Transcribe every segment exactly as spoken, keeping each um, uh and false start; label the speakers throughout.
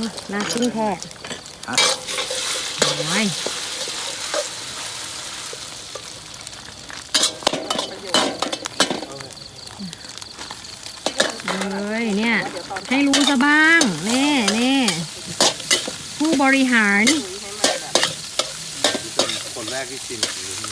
Speaker 1: น่ากินแท้โอ้ยเลยเนี่ยให้รู้ซะบ้างนี่นี่ผู้บริหาร
Speaker 2: คนแรกที่ชิม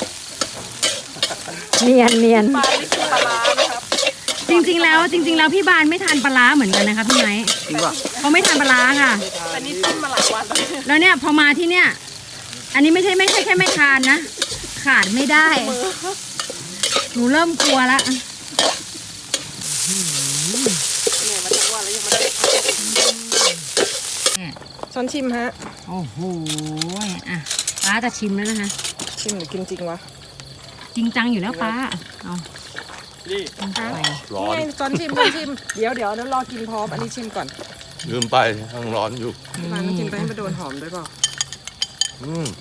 Speaker 1: เนียนเนียน
Speaker 3: ปลาไม่กินปลาร้านะครับ
Speaker 1: จริงๆแล้วจริงๆแล้วพี่บานไม่ทานปลาร้าเหมือนกันนะคะพี่ไม้
Speaker 2: จริงป่ะ
Speaker 1: เขาไม่ทานปลาร้าค่ะ
Speaker 3: อันนี้จิ้มมาหลายวัน
Speaker 1: แล้วเนี่ยพอมาที่เนี่ยอันนี้ไม่ใช่ไม่ใช่แค่ไม่ทานนะขาดไม่ได้หนูเริ่มกลัวละ
Speaker 3: เนี่ยมาจากวันแล้วยังไม่ได้ช้อนชิมฮะ
Speaker 1: โอ้โหอ่ะป้าจะชิมแล้วนะคะ
Speaker 3: ชิมหรือกินจริงวะ
Speaker 1: จริงจังอยู่แล้วป้าเอา
Speaker 2: นี่
Speaker 3: ร้อนช้อนชิมช้อนชิมเดี๋ยวเดี๋ยวเดี๋ยวรอกินพร้อมอันนี้ชิมก่อน
Speaker 2: ลืมไปทั้งร้อนอยู่
Speaker 3: ร้านกินไปให้มาโดนหอมด้วยเปล่า
Speaker 2: อืม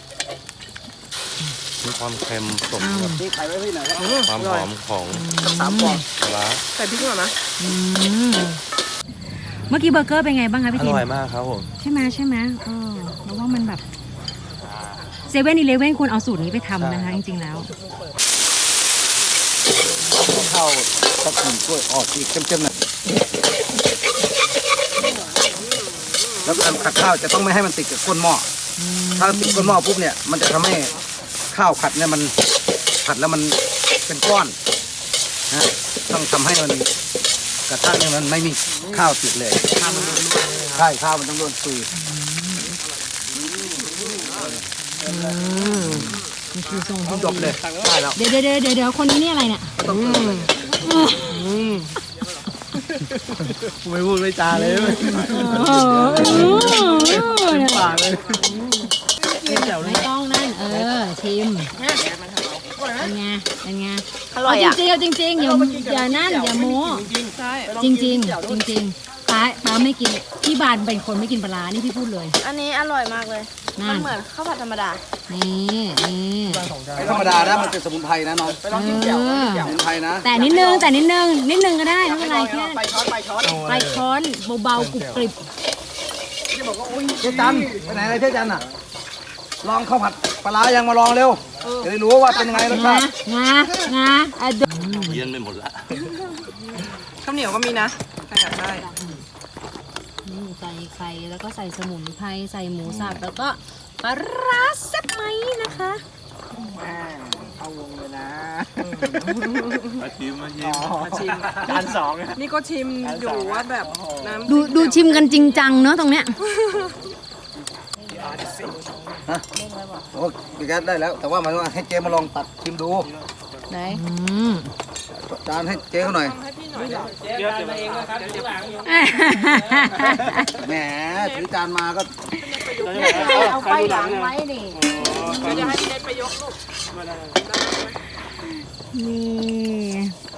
Speaker 2: มีความเค็มสมกับความหอมของสามฟองปลา
Speaker 3: ใส่พริกหน่อยไหม
Speaker 1: เมื่อกี้เบอร์เกอร์เป็นไงบ้างคะพี่
Speaker 2: ทินอร่อยมากครับผม
Speaker 1: ใช่ไหมใช่ไหมเออแล้วว่ามันแบบเซเว่นอีเลฟเว่นควรเอาสูตรนี้ไปทำนะคะจริงๆแล้ว
Speaker 4: ข้าวสักหนึ่งถ้วยออกสีเข้มๆหน่อยแล้วการขัดข้าวจะต้องไม่ให้มันติดกับก้นหม้อถ้าติดก้นหม้อปุ๊บเนี่ยมันจะทำให้ข้าวผัดเนี่ยมันผัดแล้วมันเป็นก้อนนะต้องทำให้มันกระทะเนี่ยมันไม่มีข้าวติดเลยใช่ข้าวมันต้องโดนซุย
Speaker 1: นี่คือทรงที่
Speaker 4: จบเลยได้แล้ว
Speaker 1: เดี๋ยวเดี๋ยวเดี๋ยวเดี๋ยวคนนี้นี่อะไรเนี่ย
Speaker 4: ไม่พูดไม่จาเลย
Speaker 1: ปากเลยไม่ต้องนั่นเออชิมเป็นไงเป็นไง
Speaker 3: อร่อยอ่ะ
Speaker 1: จริงจริงจริงอย่าอย่านั่นอย่าโม้จริงจริงจริงจริงป้าป้าไม่กินพี่บานเป็นคนไม่กินปลานี่พี่พูดเลย
Speaker 3: อันนี้อร่อยมากเลยมันเหมือนข้าวผัดธรรมดา
Speaker 1: นี่นี่
Speaker 4: ไม่ธรรมดานะมันเป็นสมุนไพรนะน้องไปลองกินแจ่วสมุนไพรนะ
Speaker 1: แต่นิดนึงแต่นิดนึงนิดนึงก็ได้ไม่เป็นไรแค่ไปช้อนไปช้อนไปช้อนเบาๆกรุบกริบ
Speaker 4: เจ๊จันไปไหนอะไรเจ๊จันอ่ะลองข้าวผัดปลายังมาลองเร็วจะได้รู้ว่าเป็นยังไงรสชาติ
Speaker 1: งางาอ่ะ
Speaker 2: เย็นไปหมดละ
Speaker 3: ข้าวเหนียวก็มีนะใครอยากได้
Speaker 1: นี่ใส่ไข่แล้วก็ใส่สมุนไพรใส่หมูสับแล้วก็ปลาร้าแซ่บไหมนะคะ
Speaker 4: เข้าวงเลยนะ
Speaker 2: มาชิมมาชิม
Speaker 3: มาชิมจานสองนี่ก็ชิมอยู่ว่าแบบน้ำ
Speaker 1: ดูดูชิมกันจริงจังเนอะตรงเนี้ย
Speaker 4: ฮะโอ้ยแกได้แล้วแต่ว่ามันให้เจ๊มาลองตัดชิมดู
Speaker 1: ไหน
Speaker 4: จานให้เจ๊เขาหน่อย
Speaker 3: เดี๋ยวเองนะครับเดี๋ยวหลัง
Speaker 4: แหมถือจานมาก็
Speaker 1: เอาไปหลังไว้ดิ
Speaker 3: ก็จะให้พี่เล็กไปยกลูก
Speaker 1: นี่